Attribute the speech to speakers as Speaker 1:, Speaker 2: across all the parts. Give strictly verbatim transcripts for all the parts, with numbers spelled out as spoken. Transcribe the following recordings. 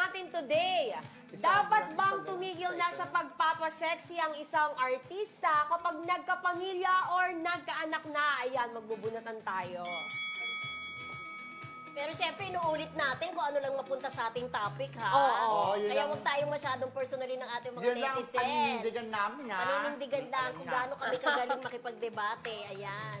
Speaker 1: natin today. Dapat bang tumigil na sa pagpapasexy ang isang artista kapag nagkapamilya or nagkaanak na? Ayan, magbubunatan tayo.
Speaker 2: Pero siyempre, inuulit natin kung ano lang mapunta sa ating topic, ha?
Speaker 1: Oo, oo,
Speaker 3: yun
Speaker 2: Kaya
Speaker 3: lang.
Speaker 2: huwag tayong masyadong personally ng ating mga
Speaker 3: Yun lang ang
Speaker 2: netizen.
Speaker 3: paninindigan namin, ha?
Speaker 2: Paninindigan lang kung
Speaker 3: Ayun
Speaker 2: gaano kami kagaling makipagdebate. Ayan.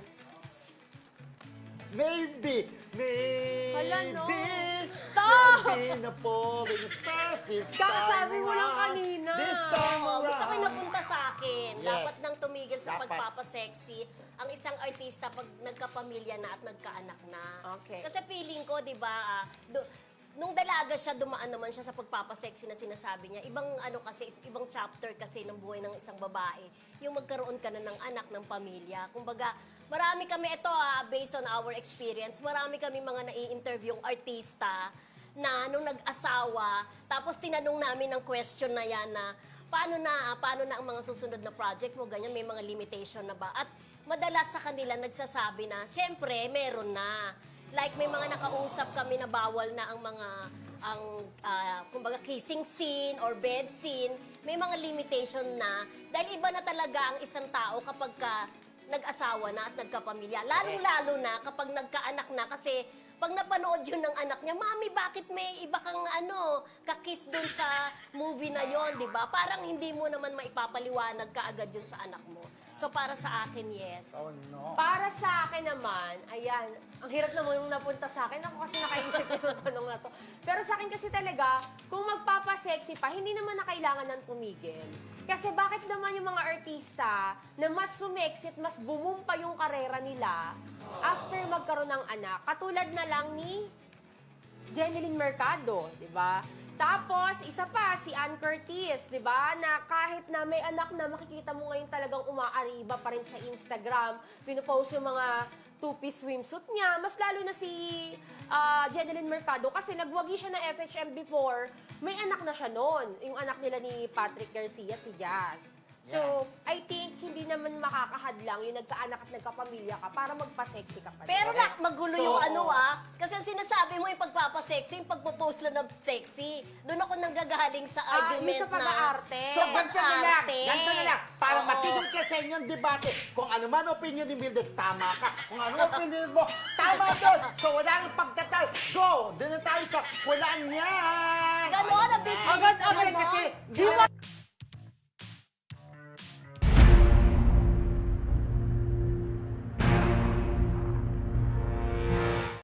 Speaker 3: Maybe, maybe,
Speaker 1: Hala, no.
Speaker 3: there'll be no falling stars this time
Speaker 1: Kakasabi mo lang
Speaker 3: around.
Speaker 1: kanina.
Speaker 3: This time
Speaker 2: Oo,
Speaker 3: around.
Speaker 2: gusto ko yung napunta sa akin.
Speaker 3: Yes.
Speaker 2: Dapat nang tumigil sa
Speaker 3: Dapat.
Speaker 2: pagpapasexy ang isang artista pag nagkapamilya na at nagkaanak na.
Speaker 1: Okay.
Speaker 2: Kasi feeling ko, di ba, ah, do- nung dalaga siya, dumaan naman siya sa pagpapasexy na sinasabi niya. Ibang ano kasi, is- ibang chapter kasi ng buhay ng isang babae. Yung magkaroon ka na ng anak, ng pamilya. Kumbaga, marami kami, ito ah, based on our experience, marami kami mga nai-interviewing artista na nung nag-asawa, tapos tinanong namin ng question na yan na, paano na, ah, paano na ang mga susunod na project mo, ganyan, may mga limitation na ba? At madalas sa kanila nagsasabi na, syempre, meron na. Like, may mga nakausap kami na bawal na ang mga, ang, ah, kumbaga, kissing scene or bed scene. May mga limitation na. Dahil iba na talaga ang isang tao kapag ka nag-asawa na at nagkapamilya. Lalong-lalo na kapag nagkaanak na kasi pag napanood yun ng anak niya, Mami, bakit may iba kang ano, kakiss dun sa movie na yon, di ba? Parang hindi mo naman maipapaliwanag kaagad yun sa anak mo. So, para sa akin, yes.
Speaker 3: Oh, no.
Speaker 1: Para sa akin naman, ayan, ang hirap naman yung napunta sa akin. Ako kasi nakaisip ko yung tanong na to. Pero sa akin kasi talaga, kung magpapasexy pa, hindi naman na kailangan ng tumigil. Kasi bakit naman yung mga artista na mas sumexit, mas bumum pa yung karera nila after magkaroon ng anak. Katulad na lang ni Jeneline Mercado, di ba? Tapos, isa pa, si Ann Curtis, di ba? Na kahit na may anak na, makikita mo ngayon talagang umaariba pa rin sa Instagram. Pinupost yung mga two-piece swimsuit niya. Mas lalo na si uh, Jeneline Mercado kasi nagwagi siya ng F H M before. May anak na siya noon. Yung anak nila ni Patrick Garcia, si Jazz. So, I think hindi naman makakahadlang yung nagkaanak at nagkapamilya ka para magpa-sexy ka pa rin.
Speaker 2: Pero na, magulo
Speaker 3: So,
Speaker 2: yung ano ah. Kasi ang sinasabi mo yung pagpapasexy, yung pagpo-post lang ng sexy. Doon ako nanggagaling sa
Speaker 1: Ah,
Speaker 2: argument
Speaker 1: yung sa pag-aarte.
Speaker 2: na...
Speaker 3: So, ganito na lang,
Speaker 2: pag-arte.
Speaker 3: ganito na lang. Para
Speaker 2: Oo.
Speaker 3: matigil ka sa inyong debate. Kung ano man opinion ni Mildred, tama ka. Kung ano opinion mo, tama doon. So, wala nang pagtatal. Go! Doon na tayo sa wala niyan.
Speaker 2: Ganon, ang business.
Speaker 1: Agad-agad
Speaker 3: Kasi,
Speaker 1: Di ba